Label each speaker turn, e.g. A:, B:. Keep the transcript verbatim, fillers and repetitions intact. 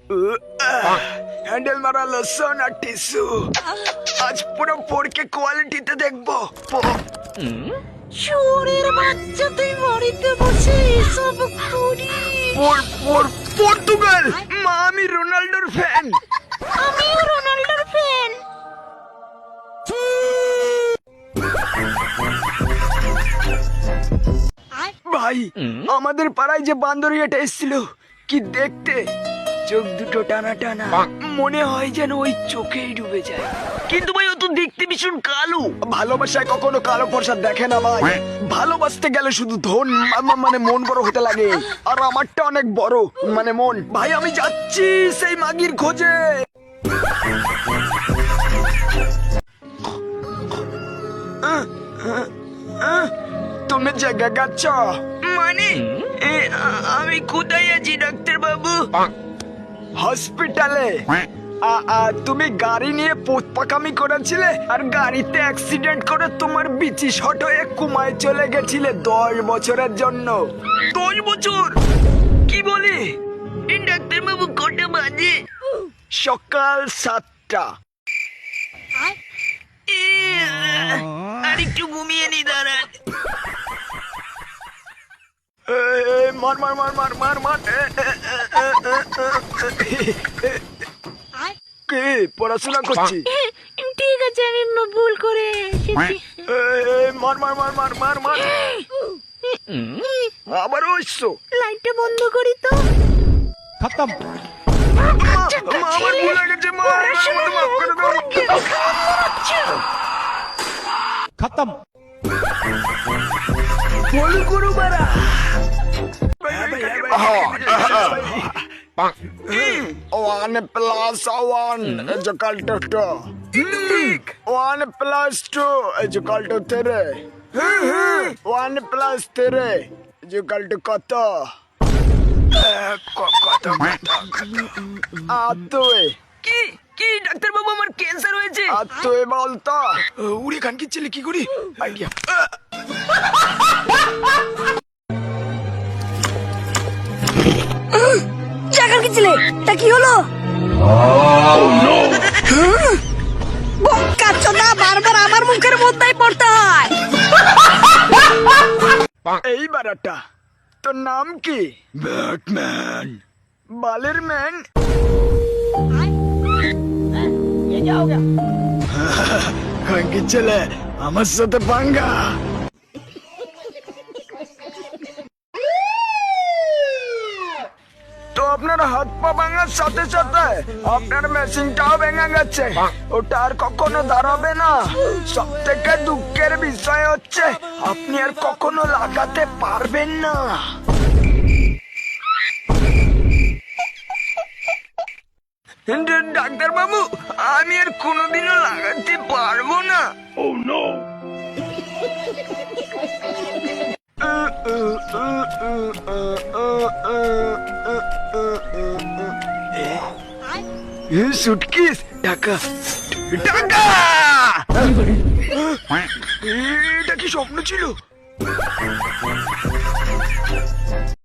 A: Handle মারা লসন আর tissue. আজ পুরো পোড়কে কোয়ালিটিতে দেখবো।
B: চোরের বাচ্চা, তুই বাড়িতে বসে এসব করি?
A: পোড় পোড় পর্তুগাল। মা, আমি রোনাল্ডোর ফ্যান।
B: আমিও রোনাল্ডোর ফ্যান।
A: ভাই, আমাদের পাড়ায় যে বান্দরিয়াটা এসেছিল, কি দেখতে! চোখ দুটো টানা টানা, মনে হয় যেন ওই চোখেই ডুবে যায়। কিন্তু ভাই, ও তো দেখতে ভীষণ কালো। ভালোবাসায় কখনো কালো প্রসাদ দেখে না ভাই। ভালোবাসতে গেলে শুধু ধন মা- মানে মন বড় হতে লাগে। আর আমারটা অনেক বড়, মানে মন। ভাই, আমি যাচ্ছি সেই মাগির খোঁজে। আহ, আহ, আহ, তুমি জায়গা গাচ্ছ মানে? এ, আ- আমি কোথায় আছি ডাক্তার বাবু? হসপিটালে। আ- আ, তুমি গাড়ি নিয়ে পোত পাকামি করেছিলে আর গাড়িতে অ্যাক্সিডেন্ট করে তোমার বিচি শট হয়ে কুমায় চলে গেছিলে দশ বছরের জন্য। দশ বছর? কি বলি ডাক্তার বাবু? কটা বাজে? সকাল সাতটা। এ, আর একটু ঘুমিয়ে নি, দাঁড়ান। এ, এ, মার মার মার মার মার মার। এ, এ, এ, এ, এ, এ, এ। কে পড়াশোনা করছি?
B: ঠিক আছে, আমি ভুল করে এসেছি।
A: এ, এ, মার মার মার মার মার মার। আবারও এসছো?
B: লাইটটা বন্ধ করি তো।
C: खत्म।
A: মা, মা, আমার ভুল হয়ে গেছে। মা, আমাকে মাফ করে দাও।
C: खत्म।
A: ভুল করো বারা। One plus one is equal to two. One plus two is equal to three. One plus three is equal to কত? কত আতুই। কি কি ডাক্তার বাবু, আমার ক্যান্সার হয়েছে। আতুই বলতো উড়ি খান কি ছেলে, কি করি? আইডিয়া।
B: জায়গা কি ছিলে? তা কি হলো? বোকাচোদা, বারবার আমার মুখের মধ্যেই পড়তে হয়।
A: এই বারাটা, তোর নাম কি? ব্যাটম্যান। বালের ম্যান। খানকি ছেলে, আমার সাথে পাঙ্গা। তো আপনার হাত পা ভাঙার সাথে সাথে আপনার মেশিনটাও ভেঙে গেছে। ওটা আর কখনো দাঁড়াবে না। সব থেকে দুঃখের বিষয় হচ্ছে আপনি আর কখনো লাগাতে পারবেন না। ডাক্তার বাবু, আমি আর কোনোদিনও লাগাতে পারবো না। ও নো। সুটকেস, টাকা টাকা। এটা কি স্বপ্ন ছিল?